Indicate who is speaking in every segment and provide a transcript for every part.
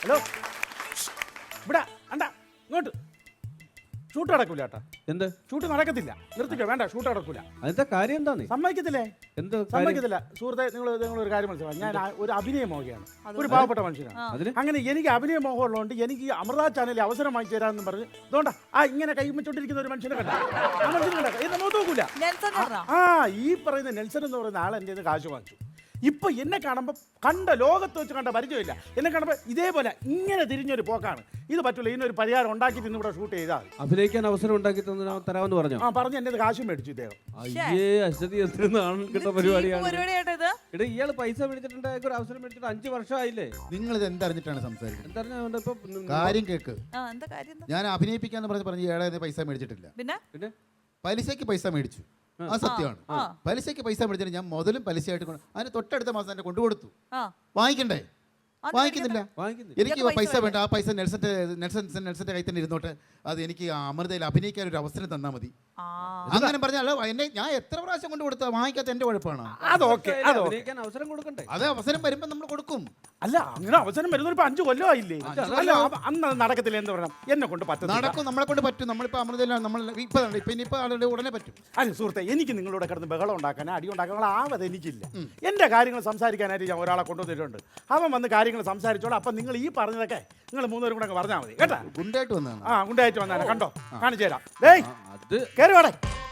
Speaker 1: Hello ഇവിടെ അണ്ട ഇങ്ങോട്ട് ഷൂട്ട് നടക്കൂല ചേട്ടാ.
Speaker 2: എന്ത്
Speaker 1: ഷൂട്ട് നടക്കത്തില്ല, നിർത്തിക്കോ, വേണ്ട, ഷൂട്ട് നടക്കൂല.
Speaker 2: അതിന്റെ കാര്യം എന്താ?
Speaker 1: സമ്മതിക്കത്തില്ലേ?
Speaker 2: എന്ത്
Speaker 1: സമ്മതിക്കത്തില്ല. സുഹൃത്തെ, നിങ്ങൾ ഒരു കാര്യം മനസ്സിലാവും, ഞാൻ ഒരു അഭിനയ മോഹയാണ്, ഒരു പാവപ്പെട്ട മനുഷ്യനാണ്. അങ്ങനെ എനിക്ക് അഭിനയ മോഹം ഉള്ളതുകൊണ്ട് എനിക്ക് അമൃത ചാനലിൽ അവസരം വാങ്ങിച്ചു തരാമെന്ന് പറഞ്ഞ് അതുകൊണ്ടാ ഇങ്ങനെ കൈമിച്ചോണ്ടിരിക്കുന്ന ഒരു മനുഷ്യനെ കണ്ട, ആ മനുഷ്യനെ കണ്ട എന്നെ മുഖത്ത് നോക്കൂല. ഈ പറയുന്ന നെൽസൺ എന്ന് പറയുന്ന ആൾ എൻ്റെ കാശ് വാങ്ങിച്ചു. ഇപ്പൊ എന്നെ കാണുമ്പോൾ കണ്ട ലോകത്ത് വെച്ച് കണ്ട പരിചയമില്ല. എന്നെ കാണുമ്പോൾ ഇതേപോലെ ഇങ്ങനെ തിരിഞ്ഞൊരു പോക്കാണ്. ഇത് പറ്റൂല, ഇതിനൊരു പരിഹാരം ഉണ്ടാക്കിയിട്ട് ഇന്നിവിടെ ഷൂട്ട് ചെയ്താൽ
Speaker 2: അഭിനയിക്കാൻ അവസരം ഉണ്ടാക്കി തരാമെന്ന് പറഞ്ഞു.
Speaker 1: പറഞ്ഞു എന്റെ കാശും മേടിച്ചു ഇദ്ദേഹം.
Speaker 2: അയ്യേ അശ്വതി, എത്ര നാളും കിട്ട പരിപാടിയാണ്. ഇയാള് പൈസ മേടിച്ചിട്ടുണ്ട്, ഒരു അവസരം മേടിച്ചിട്ട് 5 വർഷമായില്ലേ?
Speaker 3: നിങ്ങൾ ഇത് എന്തറിഞ്ഞിട്ടാണ് സംസാരിക്കുന്നത്?
Speaker 2: എന്തറിഞ്ഞ ഇപ്പൊ
Speaker 3: കാര്യം കേക്ക്. ഞാൻ അഭിനയിപ്പിക്കാന്ന് പറഞ്ഞ് ഏഴായിരം പൈസ മേടിച്ചിട്ടില്ല.
Speaker 2: പിന്നെ
Speaker 3: പലിശക്ക് പൈസ മേടിച്ചു, അത് സത്യമാണ്. പലിശക്ക് പൈസ മേടിച്ചിട്ട് ഞാൻ മുതലും പലിശയായിട്ട് അതിന് തൊട്ടടുത്ത മാസം തന്നെ കൊണ്ടുകൊടുത്തു. വാങ്ങിക്കണ്ടേ? വാങ്ങിക്കുന്നില്ല. എനിക്ക് പൈസ വേണ്ട, ആ പൈസ നെൽസന്റെ കയ്യിൽ തന്നെ ഇരുന്നോട്ടെ, അത് എനിക്ക് അമൃതയിൽ അഭിനയിക്കാൻ ഒരു അവസരം തന്നാൽ മതി. അങ്ങനെ പറഞ്ഞാൽ എന്നെ ഞാൻ എത്ര പ്രാവശ്യം കൊണ്ട് കൊടുത്താൽ വാങ്ങിക്കാത്ത എന്റെ കുഴപ്പമാണ്.
Speaker 2: അവസരം കൊടുക്കണ്ടേ?
Speaker 3: അത് അവസരം വരുമ്പോ നമ്മൾ കൊടുക്കും.
Speaker 1: അല്ല, അങ്ങനെ അവസരം വരുന്ന 5 കൊല്ലമായില്ലേ? അല്ല, അന്ന് നടക്കത്തില്ല എന്ന് പറയണം. എന്നെ കൊണ്ട് പറ്റും,
Speaker 3: നടക്കും, നമ്മളെ കൊണ്ട് പറ്റും. നമ്മളിപ്പോ അമൃതയിലാണ്, നമ്മൾ ഇപ്പൊ ഉടനെ പറ്റും.
Speaker 1: അല്ല സുഹൃത്തെ, എനിക്ക് നിങ്ങളോട് കിടന്ന് ബഹളം ഉണ്ടാക്കാനോ അടി ഉണ്ടാക്കാനുള്ള ആവത് എനിക്കില്ല. എന്റെ കാര്യങ്ങൾ സംസാരിക്കാനായിട്ട് ഞാൻ ഒരാളെ കൊണ്ടുവന്നിട്ടുണ്ട്. അവൻ വന്ന് കാര്യങ്ങൾ സംസാരിച്ചോളാം. അപ്പൊ നിങ്ങൾ ഈ പറഞ്ഞതൊക്കെ നിങ്ങൾ 3 പേരും കൂടെ പറഞ്ഞാൽ മതി കേട്ടാ.
Speaker 3: ഗുണ്ടായിട്ട് വന്നതാണ്.
Speaker 1: ഗുണ്ടായിട്ട് വന്നാണ്, കണ്ടോ, കാണിച്ചു തരാം. കേറി വാടേ.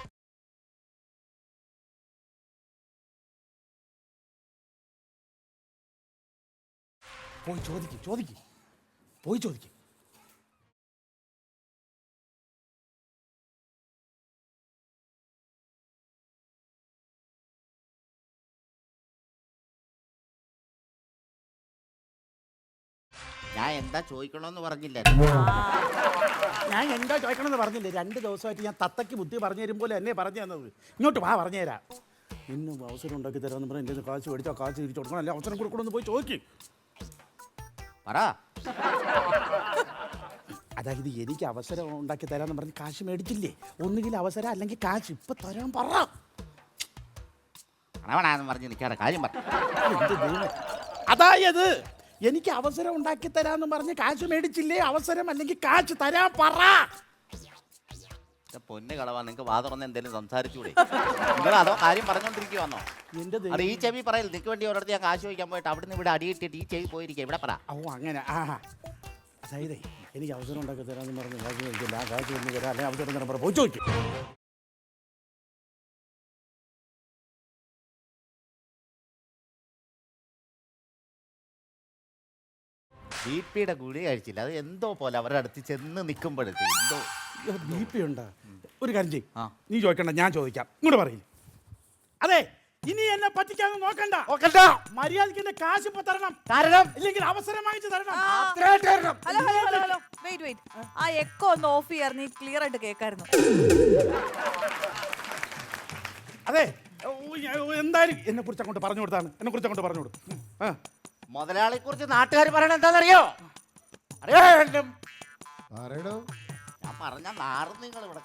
Speaker 1: പോയി ചോദിക്ക്.
Speaker 4: ഞാൻ എന്താ ചോദിക്കണമെന്ന് പറഞ്ഞില്ല.
Speaker 1: ഞാൻ എന്താ ചോദിക്കണമെന്ന് പറഞ്ഞില്ലേ? 2 ദിവസമായിട്ട് ഞാൻ തത്തയ്ക്ക് ബുദ്ധി പറഞ്ഞു തരും പോലെ എന്നെ പറഞ്ഞു തന്നത്. ഇങ്ങോട്ട് വാ, പറഞ്ഞു തരാം. ഇന്നും അവസരം ഉണ്ടാക്കി തരാമെന്ന് പറഞ്ഞാൽ എൻ്റെ കാശ് മേടിച്ചാൽ കാശ് തിരിച്ചു കൊടുക്കണം, അല്ലെ അവസരം കൊടുക്കണമെന്ന് പോയി ചോദിക്കും.
Speaker 4: പറ.
Speaker 1: അതായത് എനിക്ക് അവസരം ഉണ്ടാക്കി തരാമെന്ന് പറഞ്ഞ് കാശ് മേടിച്ചില്ലേ? ഒന്നുകിൽ അവസരം അല്ലെങ്കിൽ കാശ്. ഇപ്പൊ തരാൻ പറ.
Speaker 4: പറഞ്ഞ് നിൽക്കാതെ കാര്യം പറ.
Speaker 1: അതായത് എനിക്ക് അവസരം ഉണ്ടാക്കി തരാമെന്ന് പറഞ്ഞ് കാശ് മേടിച്ചില്ലേ? അവസരം അല്ലെങ്കിൽ കാശ് തരാൻ പറ.
Speaker 4: പൊന്ന് കളവാ, നിങ്ങൾക്ക് വാ തുറന്ന് എന്തെങ്കിലും സംസാരിച്ചൂടെ? നിങ്ങൾ അതോ കാര്യം പറഞ്ഞോണ്ടിരിക്കുവാന്നോ? അത് ഈ ചെവി പറയൽ. നിനക്ക് വേണ്ടി ഒരിടത്ത് ഞാൻ കാശ് ചോദിക്കാൻ പോയിട്ട് അവിടുന്ന് ഇവിടെ അടിയിട്ടിട്ട് ഈ ചെവി പോയിരിക്കുക. ഇവിടെ പറ.
Speaker 1: അങ്ങനെ അതായത് എനിക്ക് അവസരം ഉണ്ടാക്കി തരാമെന്ന് പറഞ്ഞ് കാശ് മേടിച്ചില്ല, ആ കാശ് ഒന്ന് തരാം, അല്ലെങ്കിൽ അവസരം തരാൻ പറ. പോയി ചോദിക്കും.
Speaker 4: ബിപിയുടെ ഗുളി കഴിച്ചില്ല, അത് എന്തോ പോലെ അവരുടെ അടുത്ത് ചെന്ന് നിൽക്കുമ്പോഴത്തെ എന്തോ
Speaker 1: BP ഉണ്ടാ. ഒരു കാര്യം ചെയ്യും, നീ ചോദിക്കണ്ട, ഞാൻ ചോദിക്കാം. ഇങ്ങോട്ട് പറയും. അതെ, ഇനി എന്നെ പറ്റിക്കാതെ നോക്കണ്ട. മര്യാദയ്ക്ക് എന്നെ കാശ് ഇപ്പൊ തരണം, കാരണം ഇല്ലെങ്കിൽ അവസരം വാങ്ങിച്ചു തരണം.
Speaker 5: ആ എക്കോ ഒന്ന് ഓഫ് ചെയ്യാറ്, ക്ലിയർ ആയിട്ട് കേൾക്കായിരുന്നു.
Speaker 1: അതെ, എന്തായാലും എന്നെ കുറിച്ച് അങ്ങോട്ട് പറഞ്ഞു കൊടുത്താണ്. എന്നെ കുറിച്ച് അങ്ങോട്ട് പറഞ്ഞു കൊടുത്തു.
Speaker 4: മുതലാളിയെ കുറിച്ച് നാട്ടുകാർ പറയണ എന്താണെന്നറിയോ? ഞാൻ പറഞ്ഞ നാറും നിങ്ങൾ ഇവിടെ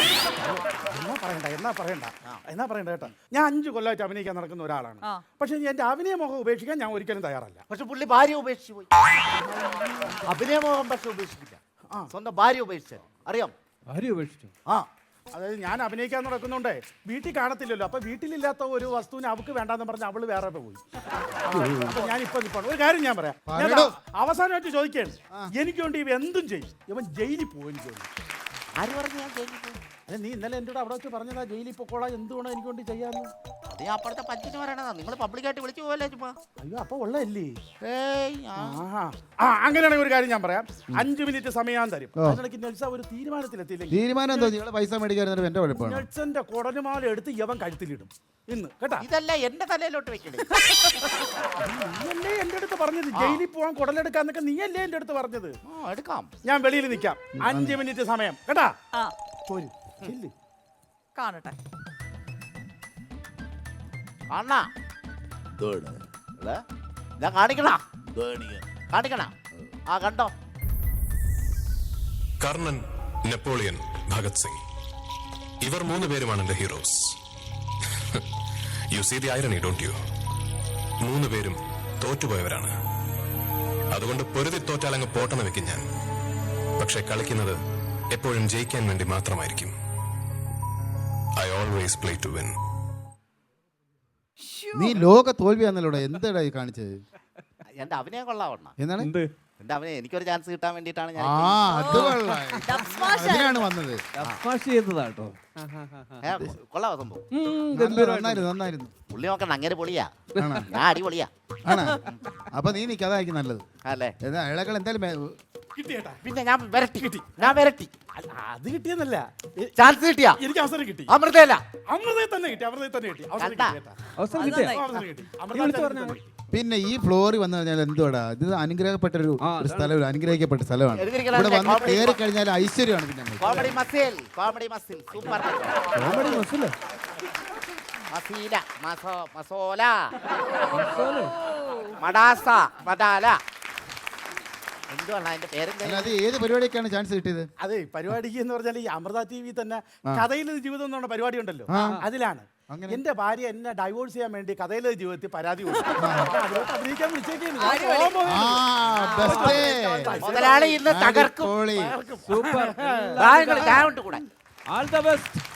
Speaker 1: എന്നാ പറയണ്ട കേട്ടോ. ഞാൻ 5 കൊല്ലമായിട്ട് അഭിനയിക്കാൻ നടക്കുന്ന ഒരാളാണ്. പക്ഷെ എന്റെ അഭിനയമോഹം ഉപേക്ഷിക്കാൻ ഞാൻ ഒരിക്കലും തയ്യാറല്ല.
Speaker 4: പക്ഷെ പുള്ളി ഭാര്യ ഉപേക്ഷിച്ചു പോയി. അഭിനയമോഹം പക്ഷെ ഉപേക്ഷിക്കില്ല, സ്വന്തം ഭാര്യ ഉപേക്ഷിച്ചു. അറിയാം?
Speaker 2: ഭാര്യ ഉപേക്ഷിച്ചു?
Speaker 1: അതായത് ഞാൻ അഭിനയിക്കാൻ നടക്കുന്നുണ്ടേ വീട്ടിൽ കാണത്തില്ലല്ലോ. അപ്പൊ വീട്ടിലില്ലാത്ത ഒരു വസ്തുവിനെ അവൾക്ക് വേണ്ടാന്ന് പറഞ്ഞ് അവള് വേറെ പോയി. അപ്പൊ ഞാനിപ്പോ ഒരു കാര്യം ഞാൻ പറയാം. അവസാനമായിട്ട് ചോദിക്കുകയാണ്, എനിക്ക് വേണ്ടി ഇവ എന്തും ചെയ്യും. ഇവൻ ജയിലിൽ പോകും. എനിക്ക് വേണ്ടി.
Speaker 4: ആര് പറഞ്ഞു ഞാൻ ജയിലിൽ പോകും?
Speaker 1: അല്ല, നീ ഇന്നലെ എൻ്റെ കൂടെ അവിടെ വെച്ച് പറഞ്ഞതാ ജയിലിൽ പൊക്കോളാം, എന്തുകൊണ്ടോ എനിക്ക് വേണ്ടി ചെയ്യാന്ന്.
Speaker 4: അത് ഞാൻ അപ്പുറത്തെ പച്ചിന് പറയണതാ. നിങ്ങൾ പബ്ലിക്കായിട്ട് വിളിച്ചു പോകല്ലേ ചുമ്മാ?
Speaker 1: അയ്യോ, അപ്പൊ ഉള്ളതല്ലേ? അങ്ങനെയാണെങ്കിൽ ഒരു കാര്യം ഞാൻ പറയാം. 5 മിനിറ്റ് സമയം തരും. അതിനിടയ്ക്ക് നെൽസ ഒരു തീരുമാനത്തിലെത്തിയില്ലെങ്കിൽ
Speaker 3: പൈസ മേടിക്കാൻ എന്റെ കുഴപ്പമാണ്.
Speaker 1: നെൽസന്റെ കുടലുമാല എടുത്ത് യവൻ കഴുത്തിലിടും ഇന്ന്, കേട്ടാ?
Speaker 4: ഇതല്ല എന്റെ തലയിലോട്ട് വെക്കണേ.
Speaker 1: നീയല്ലേ എന്റെ അടുത്ത് പറഞ്ഞത് ജയിലിൽ പോവാൻ കുടലെടുക്കാന്നൊക്കെ? നീയല്ലേ എന്റെ അടുത്ത് പറഞ്ഞത്?
Speaker 4: എടുക്കാം,
Speaker 1: ഞാൻ വെളിയിൽ നിൽക്കാം. 5 മിനിറ്റ് സമയം, കേട്ടാ?
Speaker 5: കാണട്ടെ.
Speaker 4: കാണിക്കണ. കണ്ടോ?
Speaker 6: കർണൻ, നെപ്പോളിയൻ, ഭഗത് സിംഗ്, ഇവർ 3 പേരുമാണ് എന്റെ heroes. You see the irony, don't you? 3 പേരും തോറ്റുപോയവരാണ്. അതുകൊണ്ട് പൊരുതി തോറ്റാലങ്ങ് പോട്ടെന്ന് വെക്കും ഞാൻ. പക്ഷെ കളിക്കുന്നത് എപ്പോഴും ജയിക്കാൻ വേണ്ടി മാത്രമായിരിക്കും. I always play to win.
Speaker 3: നീ ലോക തോൽവിയാന്നല്ലോടാ, എന്താടാ ഈ കാണിച്ചത്?
Speaker 4: എന്റെ അഭിനയം കൊള്ളാവണ്ണ.
Speaker 3: എന്താണ്
Speaker 4: എന്റെ അഭിനയം എനിക്കൊരു ചാൻസ് കിട്ടാൻ വേണ്ടിയിട്ടാണ് ഞാൻ
Speaker 3: അത് കൊള്ളാം. അതിനാണ് വന്നത്.
Speaker 2: ചെയ്തതാട്ടോ.
Speaker 4: കൊള്ളാവോ സംഭവം?
Speaker 3: നന്നായിരുന്നു.
Speaker 4: പുള്ളി നോക്കണ്ട, അങ്ങനെ പൊളിയാ.
Speaker 3: ആണോ?
Speaker 4: ഞാൻ അടിപൊളിയാ.
Speaker 3: ആണോ? അപ്പൊ നീ നിക്ക്, അതായിരിക്കും നല്ലത്.
Speaker 4: അല്ലേ?
Speaker 3: ഇളകൾ എന്തായാലും
Speaker 1: കിട്ടിയേട്ടാ.
Speaker 4: പിന്നെ ഞാൻ വരട്ടി.
Speaker 1: അത് കിട്ടിയെന്നല്ല,
Speaker 4: ചാൻസ് കിട്ടിയാ?
Speaker 1: എനിക്ക് അവസരം കിട്ടി.
Speaker 4: അമൃതയല്ല,
Speaker 1: അമൃതയെ തന്നെ കിട്ടി. അവസരം
Speaker 4: കണ്ടാ?
Speaker 1: കിട്ടി.
Speaker 2: അവസരം കിട്ടിയ
Speaker 1: അവസരം കിട്ടി. അമൃത ചാനലിൽ തന്നെ കിട്ടി.
Speaker 3: പിന്നെ ഈ ഫ്ലോറിൽ വന്നു കഴിഞ്ഞാൽ എന്തുവാടാ, ഇത് അനുഗ്രഹപ്പെട്ട ഒരു സ്ഥലം, ഒരു അനുഗ്രഹിക്കപ്പെട്ട സ്ഥലമാണ്. ഇവിടെ വന്ന് കയറി കഴിഞ്ഞാൽ ഐശ്വര്യമാണ്. പിന്നെ
Speaker 4: കോമഡി മസിൽ സൂപ്പർ
Speaker 3: കോമഡി മസില
Speaker 4: മസീല മസോല മടാസ മടാല എന്തുവാണ് അതിന്റെ പേരെന്താ?
Speaker 3: അല്ലാതെ ഏത് പരിപാടിയൊക്കെയാണ് ചാൻസ് കിട്ടിയത്?
Speaker 1: അതെ, പരിപാടിക്ക് എന്ന് പറഞ്ഞാൽ ഈ അമൃത TV തന്നെ കഥയിലെ ജീവിതം എന്ന് പറഞ്ഞ പരിപാടി ഉണ്ടല്ലോ, അതിലാണ് എന്റെ ഭാര്യ എന്നെ ഡൈവോഴ്സ് ചെയ്യാൻ വേണ്ടി കഥയിലെ ജീവിതത്തിൽ പരാതി കൊടുത്തു. അതിലോട്ട് അഭിനയിക്കാൻ
Speaker 4: മുതലാളി ഇന്ന് തകർക്കും.
Speaker 2: സൂപ്പർ.
Speaker 4: കൂടെ
Speaker 2: ആൾ ദ ബെസ്റ്റ്.